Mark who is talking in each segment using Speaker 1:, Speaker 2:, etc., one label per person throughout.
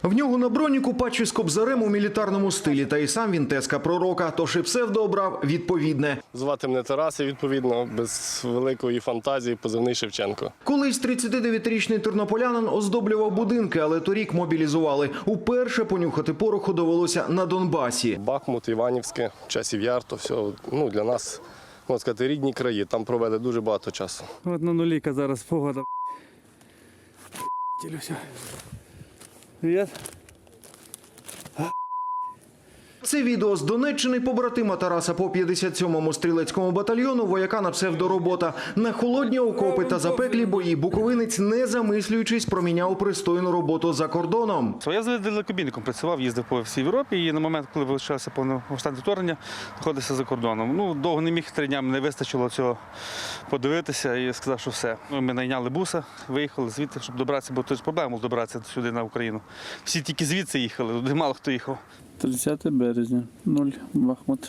Speaker 1: В нього на броніку патчі з кобзарем у мілітарному стилі, та й сам він тезка пророка, тож і псевдо обрав відповідне.
Speaker 2: Звати мене Тарас, і відповідно, без великої фантазії, позивний Шевченко.
Speaker 1: Колись 39-річний тернополянин оздоблював будинки, але торік мобілізували. Уперше понюхати пороху довелося на Донбасі.
Speaker 2: Бахмут, Іванівське, Часів Яр, то все для нас, можна сказати, рідні краї. Там провели дуже багато часу.
Speaker 3: От на нуліка зараз погода. Привіт.
Speaker 1: Це відео з Донеччини побратима Тараса по 57-му стрілецькому батальйону вояка на псевдоробота. На холодні окопи та запеклі бої буковинець, не замислюючись, проміняв пристойну роботу за кордоном.
Speaker 3: Я з далекобійником працював, їздив по всій Європі і на момент, коли вилучалося повномасштабне вторгнення, знаходився за кордоном. Довго не міг, 3 дні не вистачило цього подивитися і сказав, що все. Ми найняли буса, виїхали звідти, щоб добратися, бо тут проблема добратися сюди на Україну. Всі тільки звідси їхали, туди мало хто їхав.
Speaker 4: 30 березня, 0, Бахмут.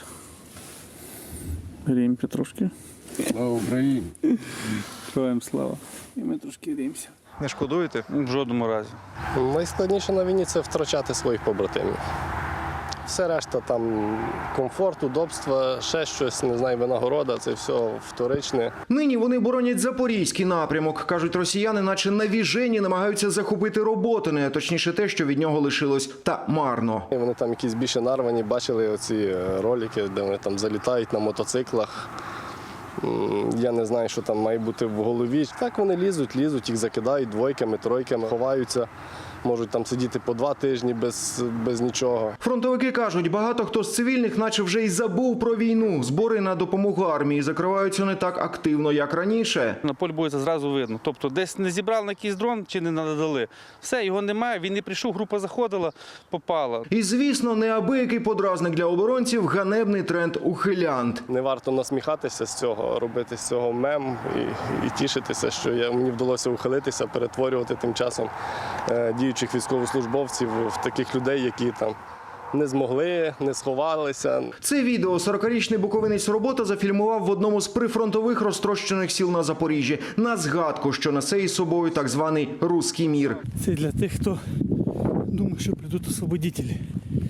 Speaker 4: Гріємося трошки.
Speaker 5: Слава Україні!
Speaker 4: Героям слава. І ми трошки гріємося.
Speaker 1: Не шкодуєте?
Speaker 3: В жодному разі.
Speaker 2: Найскладніше на війні – це втрачати своїх побратимів. Все решта, там комфорт, удобство, ще щось, не знаю, винагорода, це все вторичне.
Speaker 1: Нині вони боронять Запорізький напрямок. Кажуть, росіяни наче навіжені намагаються захопити Роботине, точніше те, що від нього лишилось, та марно.
Speaker 2: Вони там якісь більше нарвані, бачили оці ролики, де вони там залітають на мотоциклах. Я не знаю, що там має бути в голові. Так вони лізуть, їх закидають двойками, тройками, ховаються. Можуть там сидіти по 2 тижні без нічого.
Speaker 1: Фронтовики кажуть, багато хто з цивільних наче вже й забув про війну. Збори на допомогу армії закриваються не так активно, як раніше.
Speaker 3: На полі бою це зразу видно. Тобто десь не зібрали на якийсь дрон чи не надали. Все, його немає, він не прийшов, група заходила, попала.
Speaker 1: І, звісно, неабиякий подразник для оборонців – ганебний тренд ухилянт.
Speaker 2: Не варто насміхатися з цього, робити з цього мем і тішитися, що мені вдалося ухилитися, перетворювати тим часом діючих військовослужбовців в таких людей, які там не змогли, не сховалися.
Speaker 1: Це відео 40-річний буковинець Робота зафільмував в одному з прифронтових розтрощених сіл на Запоріжжі. На згадку, що несе із собою так званий «Руський мір».
Speaker 4: Це для тих, хто думає, що прийдуть освободителі.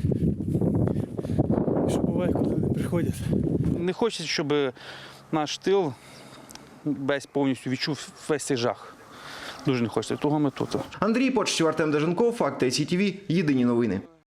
Speaker 4: Що буває, коли вони приходять.
Speaker 3: Не хочеться, щоб наш тил весь повністю відчув весь цей жах. Дуже не хочеться, того ми тут.
Speaker 1: Андрій Почтів, Артем Деженков, Факти СІТВ, єдині новини.